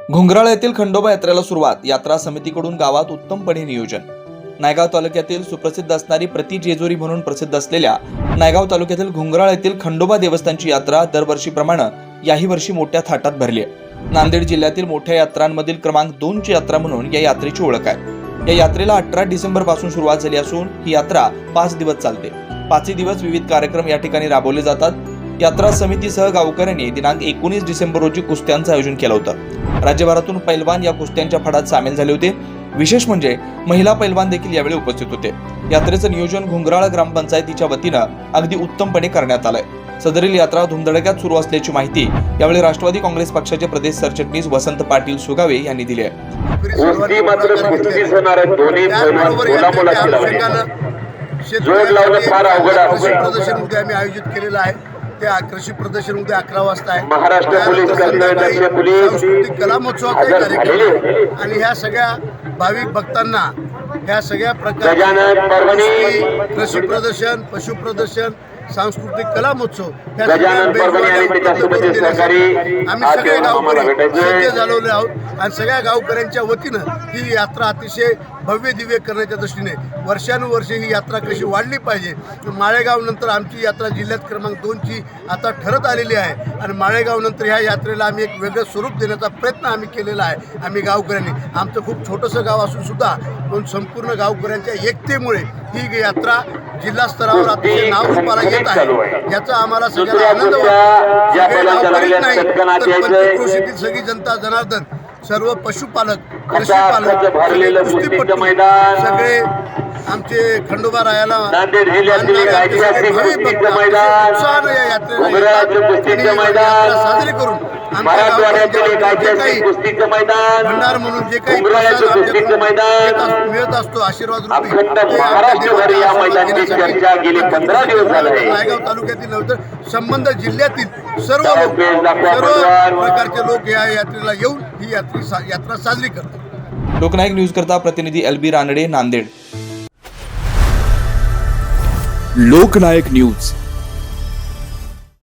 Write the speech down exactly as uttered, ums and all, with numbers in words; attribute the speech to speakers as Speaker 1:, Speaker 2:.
Speaker 1: घुंगराळ येथील खंडोबा यात्रेला सुरुवात. यात्रा समितीकडून गावात उत्तमपणे नियोजन. नायगाव तालुक्यातील सुप्रसिद्ध असणारी प्रति जेजुरी म्हणून प्रसिद्ध असलेल्या नायगाव तालुक्यातील घुंगराळ येथील खंडोबा देवस्थानची यात्रा दरवर्षीप्रमाणे याही वर्षी मोठ्या थाटात भरली आहे. नांदेड जिल्ह्यातील मोठ्या यात्रांमधील क्रमांक दोन ची यात्रा म्हणून या यात्रेची ओळख आहे. या यात्रेला अठरा डिसेंबर पासून सुरुवात झाली असून ही यात्रा पाच दिवस चालते. पाचही दिवस विविध कार्यक्रम या ठिकाणी राबवले जातात. यात्रा समितीसह गावकऱ्यांनी दिनांक एकोणीस डिसेंबर रोजी कुस्त्यांचं आयोजन केलं होतं. राज्यभरातून पैलवान या कुस्त्यांच्या फडात सामील झाले होते. विशेष म्हणजे महिला पैलवान देखील यावेळी उपस्थित होते. यात्रेचं नियोजन घुंगराळ ग्रामपंचायतीच्या वतीनं अगदी उत्तमपणे करण्यात आलंय. सदरील यात्रा धुमधडक्यात सुरू असल्याची माहिती यावेळी राष्ट्रवादी काँग्रेस पक्षाचे प्रदेश सरचिटणीस वसंत पाटील सुगावे यांनी दिली आहे.
Speaker 2: आयोजित केलेलं आहे त्या कृषी प्रदर्शन उद्या अकरा वाजता आहे.
Speaker 3: महाराष्ट्र पोलीस
Speaker 2: सांस्कृतिक कला महोत्सवाचा कार्यक्रम आणि ह्या सगळ्या भाविक भक्तांना ह्या सगळ्या प्रकारचे कृषी प्रदर्शन, पशु प्रदर्शन, सांस्कृतिक कला महोत्सव ह्या आम्ही सगळे गावकरी सज्ज झालेले आहोत आणि सगळ्या गावकऱ्यांच्या वतीनं ही यात्रा अतिशय भव्य दिव्य करण्याच्या दृष्टीने वर्षानुवर्षे ही यात्रा कशी वाढली पाहिजे. माळेगाव नंतर आमची यात्रा जिल्ह्यात क्रमांक दोन ची आता ठरत आलेली आहे आणि माळेगाव नंतर ह्या यात्रेला आम्ही एक वेगळं स्वरूप देण्याचा प्रयत्न आम्ही केलेला आहे. आम्ही गावकऱ्यांनी आमचं खूप छोटंसं गाव असून सुद्धा पण संपूर्ण गावकऱ्यांच्या एकतेमुळे ही यात्रा जिल्हा स्तरावर अतिशय नाव रूपाला येत आहे. याचा आम्हाला सगळ्यांना आनंद वाटतो. सगळे गावकरीच नाही तर पंचक्रोशीतील सगळी जनता जनार्दन, सर्व पशुपालक, कृषीपालक, कुस्तीपटू, सगळे आमचे खंडोबा रायाला उत्साहानं या यात्रेला साजरी करून भंडार म्हणून जे काही मिळत असतो आशीर्वाद नायगाव तालुक्यातील नव्हे तर संबंध जिल्ह्यातील सर्व लोक सर्व प्रकारचे लोक या यात्रेला येऊन ही यात्रा यात्रा साजरी करतात.
Speaker 1: लोकनायक न्यूज करता प्रतिनिधी L B Ranade, Nanded.
Speaker 4: Loknayak news